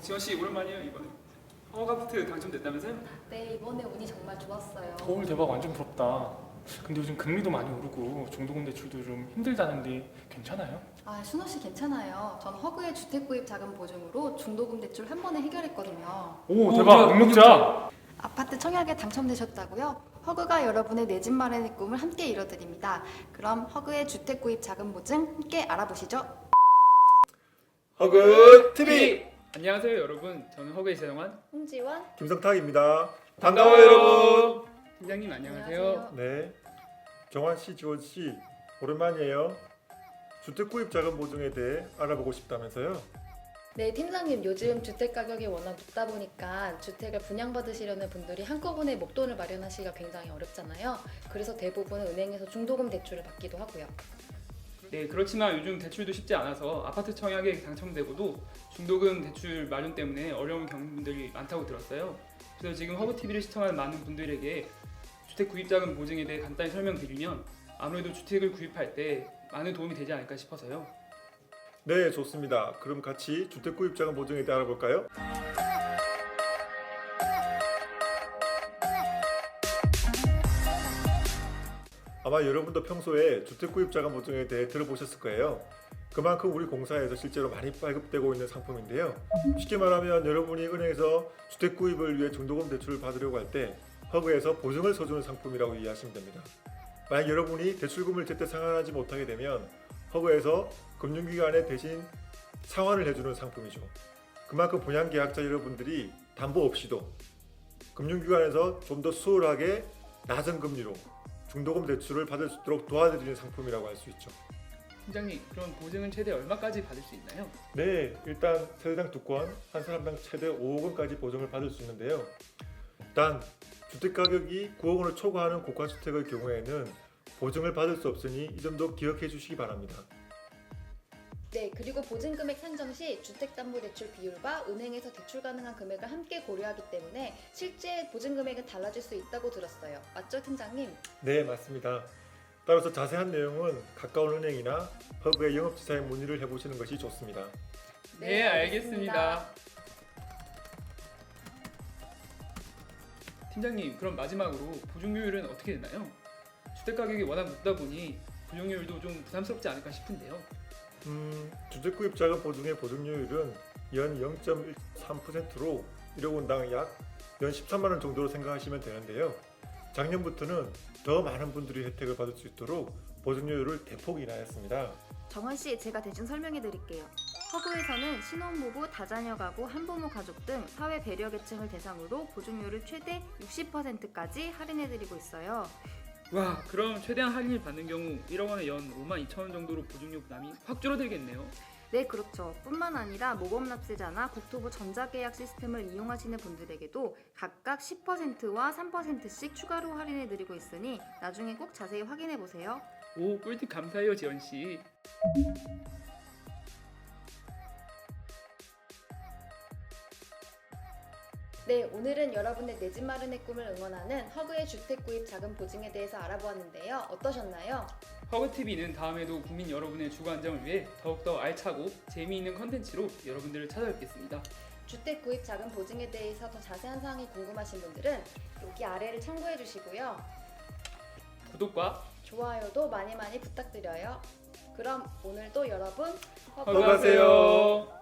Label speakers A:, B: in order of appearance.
A: 지원 씨 오랜만이에요 이번에. 허가부트 당첨됐다면서요?
B: 네, 이번에 운이 정말 좋았어요.
C: 헐 대박 완전 부럽다. 근데 요즘 금리도 많이 오르고 중도금 대출도 좀 힘들다는데 괜찮아요?
B: 아, 순호 씨 괜찮아요. 전 허그의 주택 구입 자금 보증으로 중도금 대출 한 번에 해결했거든요.
C: 오
A: 오,
C: 대박
A: 뭐야,
C: 능력자!
B: 아파트 청약에 당첨되셨다고요? 허그가 여러분의 내 집 마련의 꿈을 함께 이뤄드립니다. 그럼 허그의 주택 구입 자금 보증 함께 알아보시죠.
D: 허그 TV
A: 안녕하세요 여러분. 저는 허그의 재정환
B: 홍지원.
D: 김성탁입니다.
A: 반가워요 여러분. 팀장님 안녕하세요.
D: 네, 정환 씨, 지원 씨 오랜만이에요. 주택 구입 자금 보증에 대해 알아보고 싶다면서요?
B: 네, 팀장님, 요즘 주택 가격이 워낙 높다 보니까 주택을 분양받으시려는 분들이 한꺼번에 목돈을 마련하시기가 굉장히 어렵잖아요. 그래서 대부분은 은행에서 중도금 대출을 받기도 하고요.
A: 네 그렇지만 요즘 대출도 쉽지 않아서 아파트 청약에 당첨되고도 중도금 대출 마련 때문에 어려움을 겪는 분들이 많다고 들었어요. 그래서 지금 허그 TV를 시청하는 많은 분들에게 주택 구입 자금 보증에 대해 간단히 설명드리면 아무래도 주택을 구입할 때 많은 도움이 되지 않을까 싶어서요.
D: 네, 좋습니다. 그럼 같이 주택 구입 자금 보증에 대해 알아볼까요? 아마 여러분도 평소에 주택 구입 자금 보증에 대해 들어보셨을 거예요. 그만큼 우리 공사에서 실제로 많이 발급되고 있는 상품인데요. 쉽게 말하면 여러분이 은행에서 주택 구입을 위해 중도금 대출을 받으려고 할 때 허그에서 보증을 서주는 상품이라고 이해하시면 됩니다. 만약 여러분이 대출금을 제때 상환하지 못하게 되면 허그에서 금융기관에 대신 상환을 해주는 상품이죠. 그만큼 분양계약자 여러분들이 담보 없이도 금융기관에서 좀 더 수월하게 낮은 금리로 중도금 대출을 받을 수 있도록 도와드리는 상품이라고 할 수 있죠.
A: 팀장님 그럼 보증은 최대 얼마까지 받을 수 있나요?
D: 네, 일단 세대당 2건, 한 사람당 최대 5억 원까지 보증을 받을 수 있는데요. 단 주택 가격이 9억 원을 초과하는 고가주택의 경우에는 보증을 받을 수 없으니 이 점도 기억해 주시기 바랍니다.
B: 네, 그리고 보증금액 산정 시 주택담보대출 비율과 은행에서 대출 가능한 금액을 함께 고려하기 때문에 실제 보증금액은 달라질 수 있다고 들었어요. 맞죠, 팀장님?
D: 네, 맞습니다. 따라서 자세한 내용은 가까운 은행이나 허그의 영업지사에 문의를 해보시는 것이 좋습니다.
A: 네 알겠습니다. 팀장님 그럼 마지막으로 보증료율은 어떻게 되나요? 주택 가격이 워낙 높다 보니 보증료율도 좀 부담스럽지 않을까 싶은데요.
D: 주택 구입 자금 보증의 보증료율은 연 0.13%로 1억 원당 약 연 13만 원 정도로 생각하시면 되는데요. 작년부터는 더 많은 분들이 혜택을 받을 수 있도록 보증료율을 대폭 인하했습니다.
E: 정원 씨, 제가 대신 설명해 드릴게요. 허그에서는 신혼부부, 다자녀 가구, 한부모 가족 등 사회 배려 계층을 대상으로 보증료를 최대 60%까지 할인해 드리고 있어요.
A: 와 그럼 최대한 할인을 받는 경우 1억 원에 연 5만 2천 원 정도로 보증료 부담이 확 줄어들겠네요.
E: 네, 그렇죠. 뿐만 아니라 모범납세자나 국토부 전자계약 시스템을 이용하시는 분들에게도 각각 10%와 3%씩 추가로 할인해 드리고 있으니 나중에 꼭 자세히 확인해 보세요.
A: 오 꿀팁 감사해요 지원씨.
B: 네, 오늘은 여러분의 내 집 마련의 꿈을 응원하는 허그의 주택 구입 자금 보증에 대해서 알아보았는데요. 어떠셨나요?
A: 허그TV는 다음에도 국민 여러분의 주거 안정을 위해 더욱더 알차고 재미있는 컨텐츠로 여러분들을 찾아뵙겠습니다.
B: 주택 구입 자금 보증에 대해서 더 자세한 사항이 궁금하신 분들은 여기 아래를 참고해 주시고요.
A: 구독과
B: 좋아요도 많이 많이 부탁드려요. 그럼 오늘도 여러분
A: 허그하세요.